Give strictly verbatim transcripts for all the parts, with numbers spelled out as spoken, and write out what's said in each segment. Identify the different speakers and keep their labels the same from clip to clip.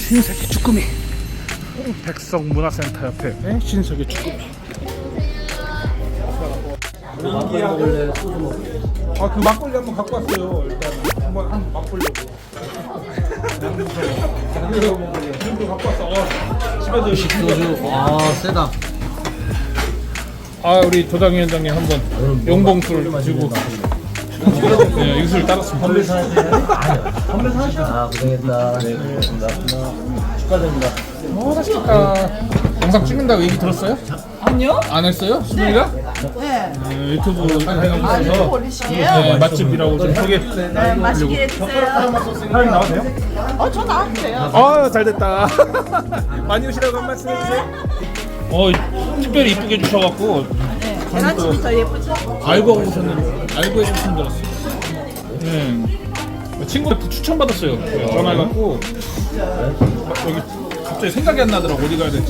Speaker 1: 신세계 쭈꾸미. 백석문화센터 옆에 네? 신세계 쭈꾸미. 아, 그 막걸리 한번 갖고 왔어요. 일단 한번 한번 맛보려고. 이거 갖고 왔어. 어, 집에서
Speaker 2: 소주. 아, 세다.
Speaker 1: 아, 우리 도당위원장님 한번 용봉술 마시고 네, 이 술 따랐습니다.
Speaker 2: 선배 사세요? 아니요. 선배 사셔. 아, 고생했다. 네, 고생했습니다. 축하드립니다.
Speaker 1: 어, 맛있겠다. 영상 찍는다고 얘기 들었어요?
Speaker 3: 아니요?
Speaker 1: 안 했어요? 수빈이가?
Speaker 3: 네.
Speaker 1: 네, 유튜브
Speaker 3: 아, 유튜브
Speaker 1: 촬영하면서
Speaker 3: 올리시게요?
Speaker 1: 네, 맛집이라고 좀 소개.
Speaker 3: 네, 맛있게 해주세요.
Speaker 1: 사장님 나와도 돼요?
Speaker 3: 어, 저 나와도 돼요.
Speaker 1: 아, 잘됐다. 많이 오시라고 한 말씀 해주세요. 어, 특별히 이쁘게 해주셔갖고
Speaker 3: 네, 계란찜이 더 예쁘죠?
Speaker 1: 알고 오셨는데 알고 해주신 줄 알았어요. 네. 친구한테 추천받았어요. 전화해갖고 여기 갑자기 생각이 안 나더라고. 어디 가야 될지.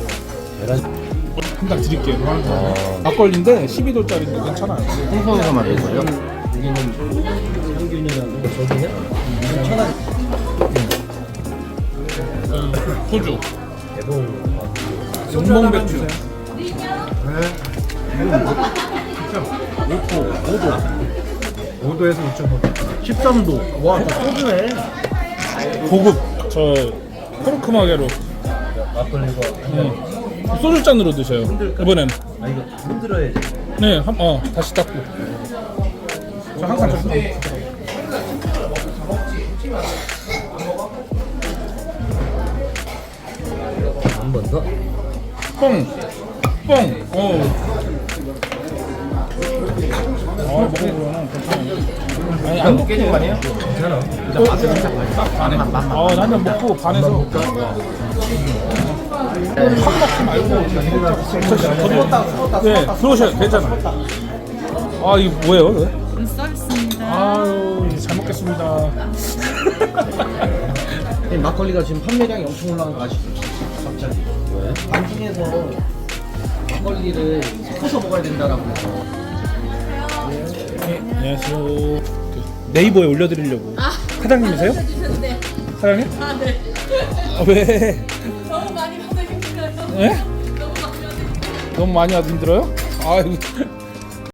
Speaker 1: 금방 드릴게요. 막걸리인데 십이 도짜리인데 괜찮아요.
Speaker 2: 홍성에서 만든 거예요? 여기는 성균이라고 저기요? 천안.
Speaker 1: 소주.
Speaker 2: 대봉.
Speaker 1: 용봉 맥주.
Speaker 2: 오 도에서 오 점 오. 십삼 도. 와, 저 소주네.
Speaker 1: 고급 저 코르크마게로
Speaker 2: 막걸리가.
Speaker 1: 네. 소주 잔으로 드셔요. 이번엔.
Speaker 2: 아, 이거 흔들어야지.
Speaker 1: 네, 한, 어 다시 닦고. 저 항상 저
Speaker 2: 한 번 더.
Speaker 1: 뽕, 뽕. 어. 아, 먹어보면 괜찮아요. 아니 안 깨진 거 아니에요?
Speaker 2: 괜찮아.
Speaker 1: 반에. 아, 한잔 먹고 반에서. 확 먹지 말고 네, 들어오셔요. 괜찮아. 아, 이거 뭐예요? 이거?
Speaker 3: 서비스입니다.
Speaker 1: 아유, 잘 먹겠습니다.
Speaker 2: 막걸리가 지금 판매량이 엄청 올라간 거 아시죠? 갑자기. 왜? 방송에서 막걸리를 섞어서 먹어야 된다라고 해서.
Speaker 1: 네, 안녕하세요. 그 네이버에 올려드리려고. 사장님이세요?
Speaker 4: 주셨는데
Speaker 1: 사장님?
Speaker 4: 아, 네.
Speaker 1: 아, 왜?
Speaker 4: 너무 많이 받아 힘들어요.
Speaker 1: 네?
Speaker 4: 너무 많이 받아 힘들어요.
Speaker 1: 너무 많이 와도 힘들어요? 아이고.